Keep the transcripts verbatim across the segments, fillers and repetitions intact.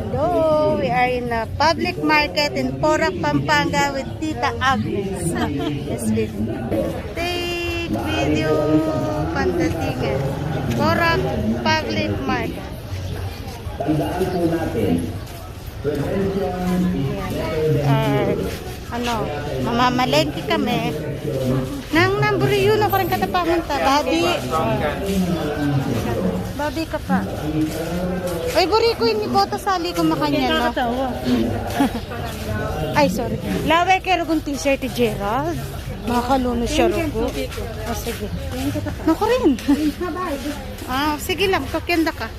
Hello, we are in a public market in Porac, Pampanga with Tita Agnes. Yes, we take video pandatingan. Porac Public Market. Tandaan po natin, prevention is better than cure. Ano, mamamalengke kami. Nang namburiyo na ko rin katapangan ta. Babi. Babi ka pa. Ay, buri ko yung ibota sali ko makanya, no? Ay, sorry. Lawe kero kong t-shirt ni Gerald. Makalunos siya rugo. Oh, sige. Nako rin. Ah, sige lang. Kakyanda ka.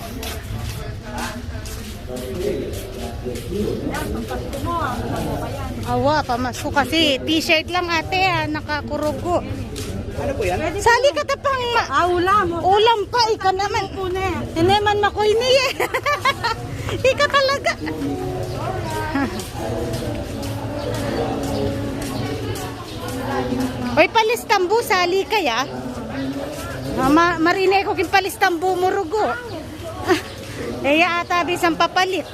Awa, pamasok kasi. T-shirt lang ate ha. Nakakurugo. Ano po yan? Sali ka tapang ma... Ah, ulam. Ulam pa, ika naman. Hindi man makoy niya. Ika talaga. Oy, palistambu, sali kaya? Ma marine ko kin palistambu murugo. Eya ata bisang papalit.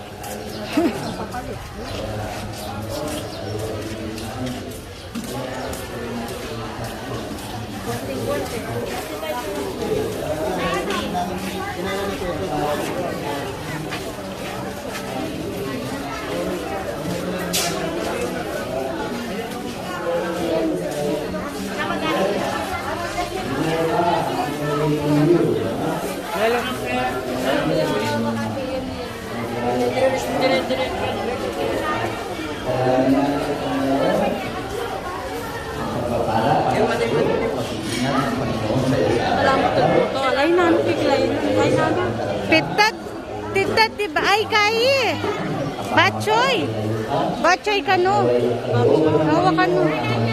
Pitat, titat, diba? Ay, kaya. Bachoy. Bachoy kano. Hawa kano.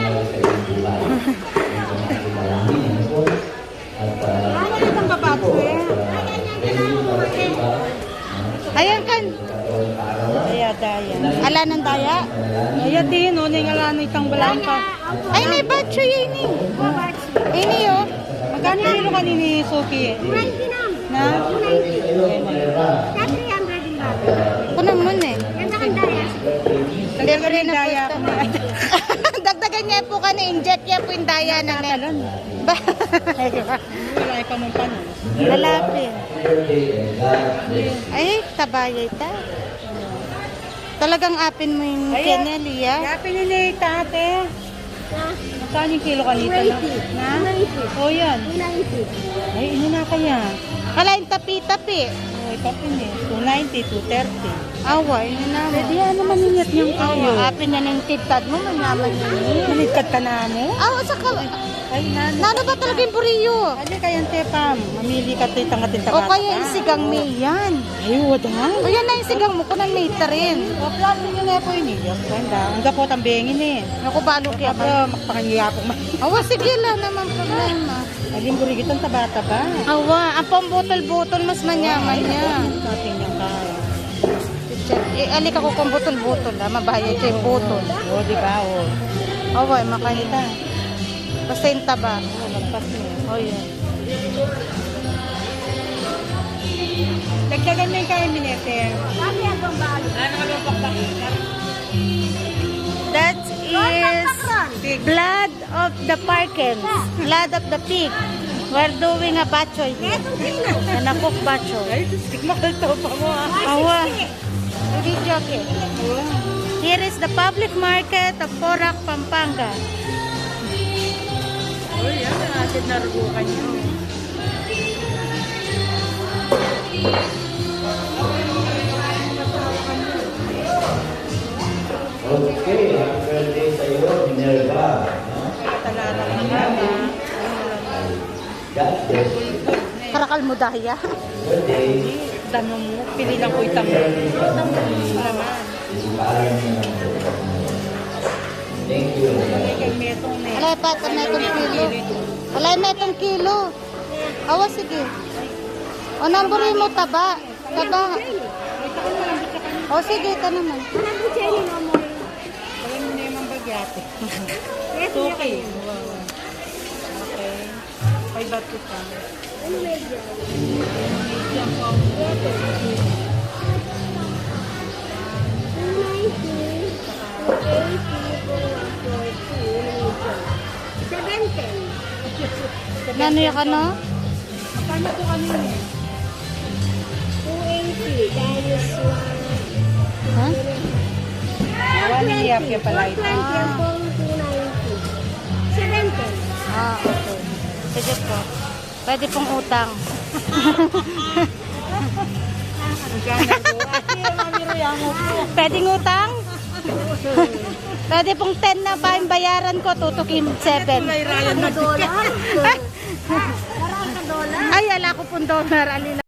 Ayan kan. Aya daya. Ala ng daya. Aya din, o nga ala ng itang balangka. Ay, may bachoy ini. Ini yo. Magkano kilo ka ni Sophie? Na? Kunang mo na eh. Hindi ka rin daya. Dagdagan niya po ka na inject niya po yung daya na meron. Wala pa mong panon. Lalapin. Ay, tabayay ta. Talagang apin mo yung Kenelli, ya? Yapin ni tate. Magkano yung kilo kanito na? Na? O yan. Ay, ino na kaya. Kalain tapi-tapi. Ay, kapin eh. two ninety, two thirty. Awa, yun na mo. Pwede yan naman ninyat niyang kayo. Awa, apin na ng titad mo, manyaman yun. Maligkad ka na mo? Awa, sa ka... Ay, nano. Nano ba talaga yung buriyo? Ano kaya yung tepam? Mamili ka titang katinta O kaya yung sigang may yan. Ay, wala nga. O yan na yung sigang mo, kunang may ta rin. O, plano nyo na po yun eh. Ganda. Ang gapot ang bengin eh. Ako balo kaya Ako, ka. makpakangiya po. Awa, sige lang naman problema. Aling burigit ang taba-taba. Awa, ang pambutol-butol mas manyaman niya. Natin yung kaya. Eh, alik ako kung butol-butol ha, mabahaya ito yung butol. O, di ba? O. Awa, makanita. Basta yung taba. O, magpas niya. O, yan. Nagkagan na yung kaya minete. Ano yan bang balo? Ano ka bang pakbakit? That is blood of the parkins. Blood of the pig. We're doing a bachoy here. And a cook bachoy. Ay, stigmakal to pa mo ah. Awa. Video okay. Here is the public market of Porac, Pampanga. O, yan. Natin narugukan nyo. Okay, happy birthday sa iyo, Minerva. Katalala ka na. God bless you. Karakal mo dahya. Birthday. Damo mo. Pili lang ko itang mo. Itang mo. Naman. Thank you. Kay metong na. Alay pa, ito na itong kilo. Alay na itong kilo. Awa, sige. O, namburin mo taba. Taba. O, sige, ito naman. Alam mo na yung mambagyate. It's okay. Okay. Five baht ko pa. Ano medyo? Medyo po. Magkano yung ano? Magkano po kanina? two eighty. Times Ha? One Yapya pala ito. one twenty. Ang pong two ninety. seventy. Ah, okay. Sige po. Pwede pong utang. Magkano po? Ate, mami Roya mo po. Pwedeng utang? Pwede pong ten na ba yung bayaran ko? Tutukin seven. May Ryan na Dollar. Parang ka dollar. Ay, ala ko pong dollar. Alila.